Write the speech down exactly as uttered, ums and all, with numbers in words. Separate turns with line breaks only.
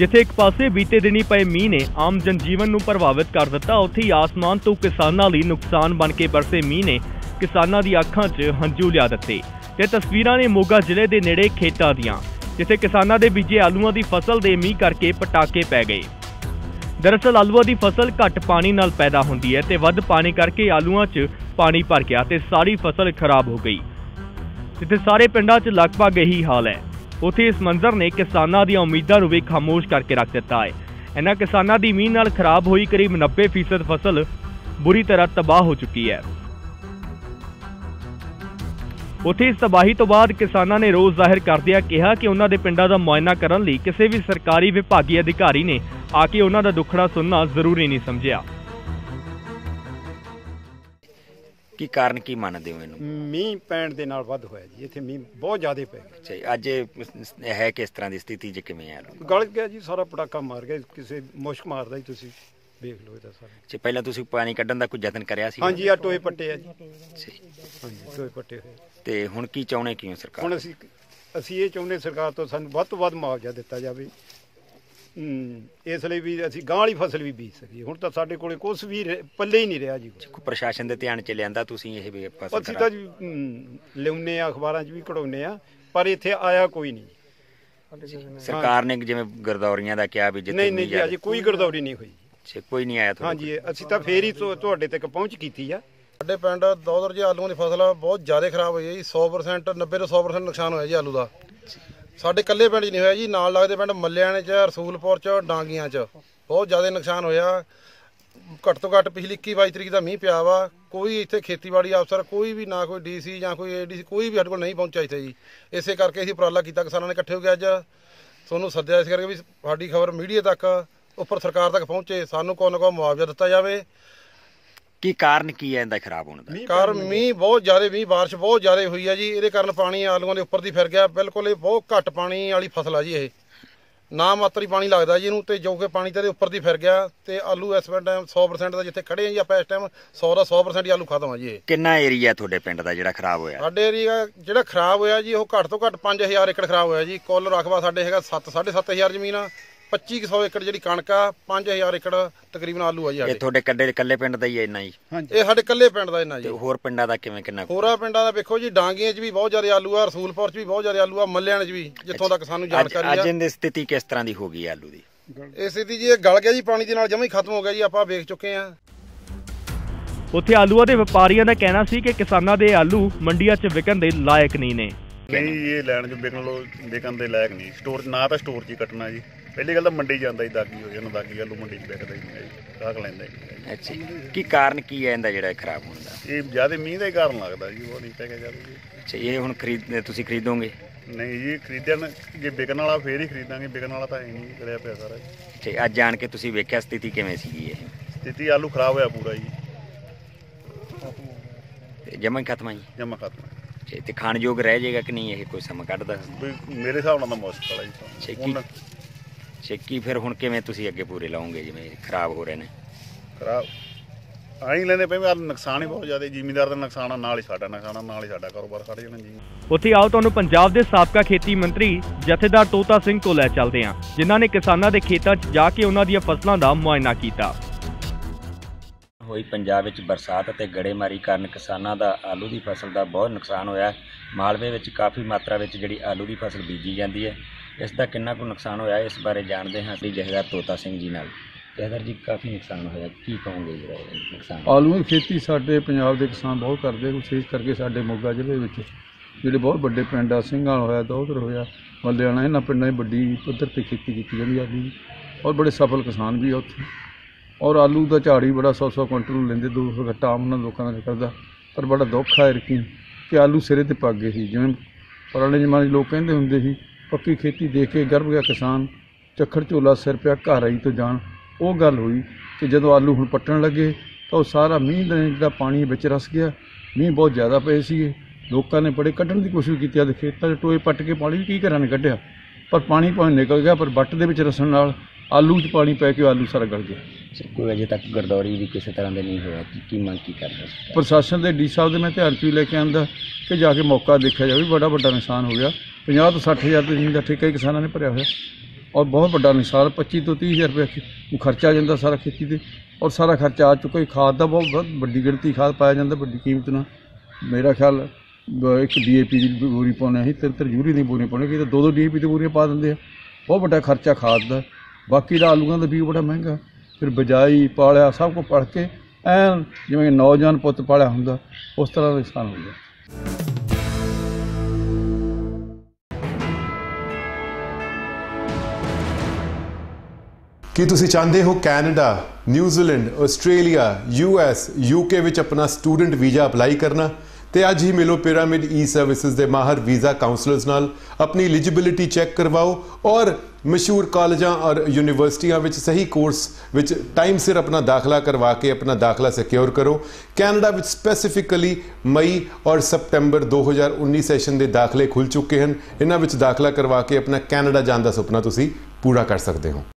जिथे एक पासे बीते दिनी पए मींह ने आम जनजीवन नूं प्रभावित कर दिता, उत्थे ही आसमान तो किसानां लई नुकसान बन के बरसे मींह ने किसानां दी अखां 'च हंझू लिया दित्ते। ते तस्वीरां ने मोगा जिले दे नेड़े खेतां दियां, जिथे किसानां दे बीजे आलूआं दी फसल दे मींह करके पटाके पै गए। दरअसल आलूआं दी फसल घट पानी नाल पैदा हुंदी है ते वध पानी करके आलूआं 'च पानी भर गया ते सारी फसल खराब हो गई। जिथे सारे पिंडां 'च लगभग यही हाल है, उत्थे इस मंजर ने किसानां दी उम्मीदां नूं भी खामोश करके रख दिता है। इन्हां किसानां दी मींह नाल खराब हुई करीब नब्बे फीसद फसल बुरी तरह तबाह हो चुकी है। उत्थे इस तबाही तो बाद किसानां ने रोष जाहिर करदिआं कहा कि उन्हां दे पिंडां दा मुआयना करन लई किसी भी सरकारी विभागी अधिकारी ने आके उन्हां दा दुखड़ा सुनना जरूरी नहीं समझिया।
की कारण की मानते हो इहनूं?
मींह पैण दे नाल वध होया जी, इत्थे मींह बहुत ज़्यादा पै गया।
अच्छा, अज है किस तरह की स्थिति च किवें है?
गल गया जी, सारा पटाका मार गया, किसी मुश्क मारदा जी, तुसीं देख लो इहदा सारा।
अच्छा, पहला तुसीं पानी कड्ढण दा कोई यतन करिया सी?
हाँ जी, आ टोए पट्टे आ जी। हाँ जी, टोए पट्टे होए।
ते हुण की चाहुंदे किਉਂ सरकार?
हुण असीं असीं ਇਹ ਚਾਹੁੰਦੇ सरकार तो सानूं ਵੱਧ ਤੋਂ ਵੱਧ मुआवजा दिता जावे, इस ਲਈ भी असीं गांह वाली फसल भी बीज सकीए। हुण तां साडे कोले कुछ भी पल्ले ही नहीं रहा जी।
प्रशासन दे ध्यान च लिआंदा तुसीं ਇਹ ਵੀ फसल?
ਅਸੀਂ ਤਾਂ ਜੀ ਲਿਆਉਂਦੇ ਆ, ਅਖਬਾਰਾਂ 'ਚ ਵੀ ਕਢਾਉਂਦੇ ਆ, ਪਰ ਇੱਥੇ ਆਇਆ ਕੋਈ ਨਹੀਂ।
ਸਰਕਾਰ ਨੇ ਜਿਵੇਂ ਗਰਦੌਰੀਆਂ ਦਾ ਕਿਹਾ ਵੀ ਜਿੱਥੇ
ਨਹੀਂ ਨਹੀਂ ਜੀ, ਅਜੇ ਕੋਈ ਗਰਦੌਰੀ ਨਹੀਂ ਹੋਈ।
ਅੱਛਾ, ਕੋਈ ਨਹੀਂ ਆਇਆ?
हाँ जी, ਅਸੀਂ ਤਾਂ ਫੇਰ ਹੀ ਤੁਹਾਡੇ ਤੱਕ ਪਹੁੰਚ ਕੀਤੀ ਆ।
ਸਾਡੇ ਪਿੰਡ ਦੌਦਰ ਜੀ ਆਲੂਆਂ ਦੀ ਫਸਲ ਬਹੁਤ ਜ਼ਿਆਦਾ ਖਰਾਬ ਹੋਈ ਹੈ ਜੀ। ਸੌ ਪ੍ਰਸੈਂਟ ਨੱਬੇ ਤੋਂ ਸੌ ਪ੍ਰਸੈਂਟ ਨੁਕਸਾਨ ਹੋਇਆ ਜੀ ਆਲੂ ਦਾ। ਸਾਡੇ ਇਕੱਲੇ ਪਿੰਡ 'ਚ ਨਹੀਂ ਹੋਇਆ ਜੀ, ਨਾਲ ਲੱਗਦੇ ਪਿੰਡ ਮੱਲਿਆਣੇ 'ਚ, ਰਸੂਲਪੁਰ 'ਚ, ਡਾਂਗੀਆਂ 'ਚ ਬਹੁਤ ਜ਼ਿਆਦਾ ਨੁਕਸਾਨ ਹੋਇਆ। ਘੱਟ ਤੋਂ ਘੱਟ ਪਿਛਲੀ ਇੱਕੀ ਬਾਈ ਤਰੀਕ ਦਾ ਮੀਂਹ ਪਿਆ ਵਾ। ਕੋਈ ਇੱਥੇ ਖੇਤੀਬਾੜੀ ਅਫਸਰ ਕੋਈ ਵੀ ਨਾ, ਕੋਈ ਡੀ ਸੀ ਜਾਂ ਕੋਈ ਏ ਡੀ ਸੀ, ਕੋਈ ਵੀ ਸਾਡੇ ਕੋਲ ਨਹੀਂ ਪਹੁੰਚਿਆ ਇੱਥੇ ਜੀ। ਇਸੇ ਕਰਕੇ ਅਸੀਂ ਉਪਰਾਲਾ ਕੀਤਾ, ਕਿਸਾਨਾਂ ਨੇ ਇਕੱਠੇ ਹੋ ਕੇ ਅੱਜ ਤੁਹਾਨੂੰ ਸੱਦਿਆ, ਇਸ ਕਰਕੇ ਵੀ ਸਾਡੀ ਖਬਰ ਮੀਡੀਆ ਤੱਕ, ਉੱਪਰ ਸਰਕਾਰ ਤੱਕ ਪਹੁੰਚੇ, ਸਾਨੂੰ ਕੋਈ ਨਾ ਕੋਈ ਮੁਆਵਜ਼ਾ ਦਿੱਤਾ ਜਾਵੇ।
ਕੀ ਕਾਰਨ ਕੀ ਹੈ ਇਹਦਾ ਖਰਾਬ ਹੋਣ ਦਾ?
ਕਾਰਨ ਮੀਂਹ ਬਹੁਤ ਜ਼ਿਆਦਾ, ਮੀਂਹ ਬਾਰਿਸ਼ ਬਹੁਤ ਜ਼ਿਆਦਾ ਹੋਈ ਹੈ ਜੀ, ਇਹਦੇ ਕਾਰਨ ਪਾਣੀ ਆਲੂਆਂ ਦੇ ਉੱਪਰ ਦੀ ਫਿਰ ਗਿਆ। ਬਿਲਕੁਲ ਇਹ ਬਹੁਤ ਘੱਟ ਪਾਣੀ ਵਾਲੀ ਫਸਲ ਆ ਜੀ, ਇਹ ਨਾ ਮਾਤਰ ਹੀ ਪਾਣੀ ਲੱਗਦਾ ਜੀ ਇਹਨੂੰ, ਤੇ ਜੋ ਕਿ ਪਾਣੀ ਤੇ ਉੱਪਰ ਦੀ ਫਿਰ ਗਿਆ। ਤੇ ਆਲੂ ਇਸ ਟਾਈਮ ਸੌ ਪ੍ਰਸੈਂਟ ਦਾ ਜਿੱਥੇ ਖੜੇ ਆ ਜੀ ਆਪਾਂ ਇਸ ਟਾਈਮ ਸੌ ਦਾ ਸੌ ਪ੍ਰਸੈਂਟ ਹੀ ਆਲੂ ਖਤਮ ਆ ਜੀ। ਇਹ
ਕਿੰਨਾ ਏਰੀਆ ਤੁਹਾਡੇ ਪਿੰਡ ਦਾ ਜਿਹੜਾ ਖਰਾਬ ਹੋਇਆ?
ਸਾਡੇ ਏਰੀਆ ਜਿਹੜਾ ਖਰਾਬ ਹੋਇਆ ਜੀ, ਉਹ ਘੱਟ ਤੋਂ ਘੱਟ ਪੰਜ ਹਜ਼ਾਰ ਏਕੜ ਖਰਾਬ ਹੋਇਆ ਜੀ। ਕੁੱਲ ਰਕਬਾ ਸਾਡੇ ਹੈਗਾ ਸੱਤ ਸਾਢੇ ਸੱਤ ਹਜ਼ਾਰ ਜ਼ਮੀਨ ਆ, ਪੱਚੀ ਕੁ ਸੌ ਏਕੜ ਜਿਹੜੀ ਕਣਕ ਆ, ਪੰਜ ਹਜ਼ਾਰ ਏਕੜ ਤਕਰੀਬਨ ਆਲੂ ਆ ਜੀ।
ਇਹ ਤੁਹਾਡੇ ਕੱਡੇ ਇਕੱਲੇ ਪਿੰਡ ਦਾ ਹੀ ਹੈ ਇੰਨਾ ਜੀ?
ਇਹ ਸਾਡੇ ਇਕੱਲੇ ਪਿੰਡ ਦਾ ਇੰਨਾ ਜੀ।
ਹੋਰ ਪਿੰਡਾਂ ਦਾ ਕਿਵੇਂ, ਕਿੰਨਾ?
ਹੋਰਾਂ ਪਿੰਡਾਂ ਦਾ ਵੇਖੋ ਜੀ, ਡਾਂਗੀਆਂ 'ਚ ਵੀ ਬਹੁਤ ਜ਼ਿਆਦਾ ਆਲੂ ਆ, ਰਸੂਲਪੁਰ 'ਚ ਵੀ ਬਹੁਤ ਜ਼ਿਆਦਾ ਆਲੂ ਆ, ਮੱਲਿਆਣੇ 'ਚ ਵੀ, ਜਿੱਥੋਂ ਤੱਕ ਸਾਨੂੰ ਜਾਣਕਾਰੀ ਆ।
ਅੱਜ ਦੀ ਸਥਿਤੀ ਕਿਸ ਤਰ੍ਹਾਂ ਦੀ ਹੋ ਗਈ ਆਲੂ ਦੀ?
ਇਹ ਸਥਿਤੀ ਜੀ, ਇਹ ਗਲ ਗਿਆ ਜੀ, ਪਾਣੀ ਦੇ ਨਾਲ ਜਮਾਂ ਹੀ ਖਤਮ ਹੋ ਗਿਆ ਜੀ, ਆਪਾਂ ਵੇਖ ਚੁੱਕੇ ਆ।
ਉੱਥੇ ਆਲੂਆਂ ਦੇ ਵਪਾਰੀਆਂ ਦਾ ਕਹਿਣਾ ਸੀ ਕਿ ਕਿਸਾਨਾਂ ਦੇ ਆਲੂ ਮੰਡੀਆਂ 'ਚ ਵਿਕਣ ਦੇ ਲਾਇਕ ਨਹੀਂ ਨੇ।
ਨਹੀਂ, ਇਹ ਲੈਣ 'ਚ ਵਿਕਣ ਲੋ ਵਿਕਣ ਦੇ ਲਾਇਕ ਨਹੀਂ। ਸਟੋਰ ਨਾ ਤਾਂ ਸਟੋਰ 'ਚ ਹੀ ਕੱਟਣਾ ਜੀ। ਪਹਿਲੀ ਗੱਲ ਤਾਂ ਮੰਡੀ ਜਾਂਦਾ ਜੀ, ਦਾਗੀ ਹੋ ਜਾਂਦਾ, ਦਾਗੀ ਆਲੂ ਮੰਡੀ 'ਚ ਵਿਕਦਾ ਹੀ ਨਹੀਂ ਜੀ, ਗਾਹਕ ਲੈਂਦਾ ਹੀ ਨਹੀਂ।
ਅੱਛਾ, ਕੀ ਕਾਰਨ ਕੀ ਹੈ ਇਹਦਾ ਜਿਹੜਾ ਖਰਾਬ ਹੋਣ ਦਾ?
ਇਹ ਜ਼ਿਆਦਾ ਮੀਂਹ ਦਾ ਹੀ ਕਾਰਨ ਲੱਗਦਾ ਜੀ, ਉਹ ਨਹੀਂ ਪੈ ਕੇ ਜਾਂਦਾ ਜੀ।
ਅੱਛਾ, ਇਹ ਹੁਣ ਖਰੀਦ ਤੁਸੀਂ ਖਰੀਦੋਗੇ?
ਨਹੀਂ ਜੀ, ਖਰੀਦਣ ਜੇ ਵਿਕਣ ਵਾਲਾ ਫੇਰ ਹੀ ਖਰੀਦਾਂਗੇ, ਵਿਕਣ ਵਾਲਾ ਤਾਂ ਹੈ ਨਹੀਂ, ਕਰਿਆ ਪਿਆ ਸਾਰਾ ਜੀ।
ਅੱਛਾ, ਅੱਜ ਜਾਣ ਕੇ ਤੁਸੀਂ ਵੇਖਿਆ ਸਥਿਤੀ ਕਿਵੇਂ ਸੀਗੀ? ਇਹ
ਸਥਿਤੀ ਆਲੂ ਖਰਾਬ ਹੋਇਆ ਪੂਰਾ ਜੀ,
ਜਮਾਂ ਹੀ ਖਤਮ ਆ ਜੀ?
ਜਮਾ ਖਤਮ।
ਅੱਛਾ, ਤੇ ਖਾਣਯੋਗ ਰਹਿ ਜਾਏਗਾ ਕਿ ਨਹੀਂ ਇਹ ਕੋਈ ਸਮਾਂ ਕੱਢਦਾ?
ਮੇਰੇ ਹਿਸਾਬ ਨਾਲ ਤਾਂ ਮੁਸ਼ਕਲ ਆ ਜੀ।
ਹੁਣ ਛੇਕੀ ਫਿਰ ਹੁਣ ਕਿਵੇਂ ਤੁਸੀਂ ਅੱਗੇ ਪੂਰੇ ਲਾਉਂਗੇ ਜਿਵੇਂ ਖਰਾਬ ਹੋ ਰਹੇ ਨੇ?
ਖਰਾਬ ਆਈ ਲੈਂਦੇ ਪਏ, ਨੁਕਸਾਨ ਹੀ ਬਹੁਤ ਜ਼ਿਆਦਾ, ਜ਼ਿਮੀਂਦਾਰ ਦਾ ਨੁਕਸਾਨ ਆ, ਨਾਲ ਹੀ ਸਾਡਾ ਨੁਕਸਾਨ ਆ, ਨਾਲ ਹੀ ਸਾਡਾ ਕਾਰੋਬਾਰ ਖੜ ਜਾਣਾ ਜੀ।
ਉੱਥੇ ਆਓ ਤੁਹਾਨੂੰ ਪੰਜਾਬ ਦੇ ਸਾਬਕਾ ਖੇਤੀ ਮੰਤਰੀ ਜਥੇਦਾਰ ਤੋਤਾ ਸਿੰਘ ਕੋਲ ਲੈ ਚੱਲਦੇ ਹਾਂ, ਜਿਨ੍ਹਾਂ ਨੇ ਕਿਸਾਨਾਂ ਦੇ ਖੇਤਾਂ 'ਚ ਜਾ ਕੇ ਉਹਨਾਂ ਦੀਆਂ ਫਸਲਾਂ ਦਾ ਮੁਆਇਨਾ ਕੀਤਾ।
ਹੋਈ ਪੰਜਾਬ ਵਿੱਚ ਬਰਸਾਤ ਅਤੇ ਗੜੇਮਾਰੀ ਕਾਰਨ ਕਿਸਾਨਾਂ ਦਾ ਆਲੂ ਦੀ ਫਸਲ ਦਾ ਬਹੁਤ ਨੁਕਸਾਨ ਹੋਇਆ। ਮਾਲਵੇ ਵਿੱਚ ਕਾਫੀ ਮਾਤਰਾ ਵਿੱਚ ਜਿਹੜੀ ਆਲੂ ਦੀ ਫਸਲ ਬੀਜੀ ਜਾਂਦੀ ਹੈ, ਇਸ ਦਾ ਕਿੰਨਾ ਕੁ ਨੁਕਸਾਨ ਹੋਇਆ, ਇਸ ਬਾਰੇ ਜਾਣਦੇ ਹਾਂ ਅਸੀਂ ਜਥੇਦਾਰ ਤੋਤਾ ਸਿੰਘ ਜੀ ਨਾਲ। ਜਥੇਦਾਰ ਜੀ, ਕਾਫੀ ਨੁਕਸਾਨ ਹੋਇਆ, ਕੀ ਕਹੋਗੇ ਜਿਹੜਾ ਨੁਕਸਾਨ?
ਆਲੂ ਦੀ ਖੇਤੀ ਸਾਡੇ ਪੰਜਾਬ ਦੇ ਕਿਸਾਨ ਬਹੁਤ ਕਰਦੇ, ਵਿਸ਼ੇਸ਼ ਕਰਕੇ ਸਾਡੇ ਮੋਗਾ ਜ਼ਿਲ੍ਹੇ ਵਿੱਚ ਜਿਹੜੇ ਬਹੁਤ ਵੱਡੇ ਪਿੰਡ ਆ, ਸਿੰਘਾਂ ਹੋਇਆ, ਦੌਧਰ ਹੋਇਆ, ਮੱਲਿਆਣਾ, ਇਹਨਾਂ ਪਿੰਡਾਂ 'ਚ ਵੱਡੀ ਪੱਧਰ 'ਤੇ ਖੇਤੀ ਕੀਤੀ ਜਾਂਦੀ ਆਲੂ ਦੀ, ਔਰ ਬੜੇ ਸਫਲ ਕਿਸਾਨ ਵੀ ਆ ਉੱਥੇ। ਔਰ ਆਲੂ ਦਾ ਝਾੜ ਵੀ ਬੜਾ ਸੌ ਸੌ ਕੁਇੰਟਲ ਲੈਂਦੇ, ਦੋ ਸੌ ਗੱਟਾ ਆਮ ਉਹਨਾਂ ਲੋਕਾਂ ਦਾ ਨਿਕਲਦਾ। ਪਰ ਬੜਾ ਦੁੱਖ ਆ ਇਰਕੀ ਕਿ ਆਲੂ ਸਿਰੇ 'ਤੇ ਪੱਕ ਗਏ ਸੀ। ਜਿਵੇਂ ਪੁਰਾਣੇ ਜ਼ਮਾਨੇ 'ਚ ਲੋਕ ਕਹਿੰਦੇ ਹੁੰਦੇ ਸੀ, ਪੱਕੀ ਖੇਤੀ ਦੇਖ ਕੇ ਗਰਭ ਗਿਆ ਕਿਸਾਨ, ਚੱਖੜ ਝੋਲਾ ਸਿਰ ਪਿਆ ਘਰ ਆਈ ਤੋਂ ਜਾਣ। ਉਹ ਗੱਲ ਹੋਈ ਕਿ ਜਦੋਂ ਆਲੂ ਹੁਣ ਪੱਟਣ ਲੱਗੇ ਤਾਂ ਉਹ ਸਾਰਾ ਮੀਂਹ ਦਾ ਜਿਹੜਾ ਪਾਣੀ ਵਿੱਚ ਰਸ ਗਿਆ। ਮੀਂਹ ਬਹੁਤ ਜ਼ਿਆਦਾ ਪਏ ਸੀਗੇ, ਲੋਕਾਂ ਨੇ ਬੜੇ ਕੱਢਣ ਦੀ ਕੋਸ਼ਿਸ਼ ਕੀਤੀ, ਆਦੇ ਖੇਤਾਂ 'ਚ ਟੋਏ ਪੱਟ ਕੇ ਪਾਣੀ ਕੀ ਘਰਾਂ ਨੇ ਕੱਢਿਆ, ਪਰ ਪਾਣੀ ਭਾਵੇਂ ਨਿਕਲ ਗਿਆ, ਪਰ ਵੱਟ ਦੇ ਵਿੱਚ ਰਸਣ ਨਾਲ ਆਲੂ 'ਚ ਪਾਣੀ ਪੈ ਕੇ ਆਲੂ ਸਾਰਾ ਗਲ ਗਿਆ।
ਕੋਈ ਅਜੇ ਤੱਕ ਗਰਦੌਰੀ ਵੀ ਕਿਸੇ ਤਰ੍ਹਾਂ ਦੇ ਨਹੀਂ ਹੋਇਆ, ਕੀ ਮੰਗ ਕੀ ਕਰਦਾ?
ਪ੍ਰਸ਼ਾਸਨ ਦੇ ਡੀ ਸਾਹਿਬ ਦੇ ਮੈਂ ਧਿਆਨ 'ਚ ਵੀ ਲੈ ਕੇ ਆਉਂਦਾ ਕਿ ਜਾ ਕੇ ਮੌਕਾ ਦੇਖਿਆ ਜਾਵੇ, ਬੜਾ ਵੱਡਾ ਨੁਕਸਾਨ ਹੋ ਗਿਆ। ਪੰਜਾਹ ਤੋਂ ਸੱਠ ਹਜ਼ਾਰ ਰੁਪਏ ਜ਼ਮੀਨ ਦਾ ਠੇਕਾ ਹੀ ਕਿਸਾਨਾਂ ਨੇ ਭਰਿਆ ਹੋਇਆ। ਔਰ ਬਹੁਤ ਵੱਡਾ ਨੁਕਸਾਨ ਪੱਚੀ ਤੋਂ ਤੀਹ ਹਜ਼ਾਰ ਰੁਪਏ ਖਰਚਾ ਆ ਜਾਂਦਾ ਸਾਰਾ ਖੇਤੀ 'ਤੇ, ਔਰ ਸਾਰਾ ਖਰਚਾ ਆ ਚੁੱਕਾ। ਖਾਦ ਦਾ ਬਹੁਤ ਬਹੁਤ ਵੱਡੀ ਗਿਣਤੀ ਖਾਦ ਪਾਇਆ ਜਾਂਦਾ ਵੱਡੀ ਕੀਮਤ ਨਾਲ। ਮੇਰਾ ਖਿਆਲ ਇੱਕ ਡੀ ਏ ਪੀ ਦੀ ਬੋਰੀ ਪਾਉਂਦੇ ਅਸੀਂ, ਤਿੰਨ ਤਿੰਨ ਯੂਰੀ ਦੀ ਬੋਰੀ ਪਾਉਂਦੇ, ਕਿ ਤਾਂ ਦੋ ਦੋ ਡੀ ਏ ਪੀ ਦੀ ਬੋਰੀਆਂ ਪਾ ਦਿੰਦੇ ਆ। ਬਹੁਤ ਵੱਡਾ ਖਰਚਾ ਖਾਦ ਦਾ। ਬਾਕੀ ਦਾ ਆਲੂਆਂ ਦਾ ਬੀਜ ਬੜਾ ਮਹਿੰਗਾ, ਫਿਰ ਬਿਜਾਈ ਪਾਲਿਆ ਸਭ ਕੁਝ ਪੜ ਕੇ ਐਨ ਜਿਵੇਂ ਨੌਜਵਾਨ ਪੁੱਤ ਪਾਲਿਆ ਹੁੰਦਾ ਉਸ ਤਰ੍ਹਾਂ ਦਾ ਨੁਕਸਾਨ ਹੋ ਗਿਆ।
ਕੀ ਤੁਸੀਂ ਚਾਹੁੰਦੇ ਹੋ Canada, New Zealand, Australia, U S, U K ਵਿੱਚ ਆਪਣਾ ਸਟੂਡੈਂਟ ਵੀਜ਼ਾ ਅਪਲਾਈ ਕਰਨਾ? ਤੇ ਅੱਜ ਹੀ ਮਿਲੋ ਪਿਰਾਮਿਡ ਈ ਸਰਵਿਸਿਜ਼ ਦੇ ਮਾਹਰ ਵੀਜ਼ਾ ਕਾਉਂਸਲਰਸ ਨਾਲ। ਆਪਣੀ ਐਲੀਜੀਬਿਲਿਟੀ ਚੈੱਕ ਕਰਵਾਓ ਔਰ ਮਸ਼ਹੂਰ ਕਾਲਜਾਂ ਔਰ ਯੂਨੀਵਰਸਿਟੀਆਂ ਵਿੱਚ ਸਹੀ ਕੋਰਸ ਵਿੱਚ ਟਾਈਮ ਸਿਰ ਆਪਣਾ ਦਾਖਲਾ ਕਰਵਾ ਕੇ ਆਪਣਾ ਦਾਖਲਾ ਸਿਕਿਉਰ ਕਰੋ। ਕੈਨੇਡਾ ਵਿੱਚ ਸਪੈਸੀਫਿਕਲੀ ਮਈ ਔਰ ਸਪਟੈਂਬਰ ਦੋ ਹਜ਼ਾਰ ਉੱਨੀ ਸੈਸ਼ਨ ਦੇ ਦਾਖਲੇ ਖੁੱਲ੍ਹ ਚੁੱਕੇ ਹਨ। ਇਹਨਾਂ ਵਿੱਚ ਦਾਖਲਾ ਕਰਵਾ ਕੇ ਆਪਣਾ ਕੈਨੇਡਾ ਜਾਣ ਦਾ ਸੁਪਨਾ ਤੁਸੀਂ ਪੂਰਾ ਕਰ ਸਕਦੇ ਹੋ।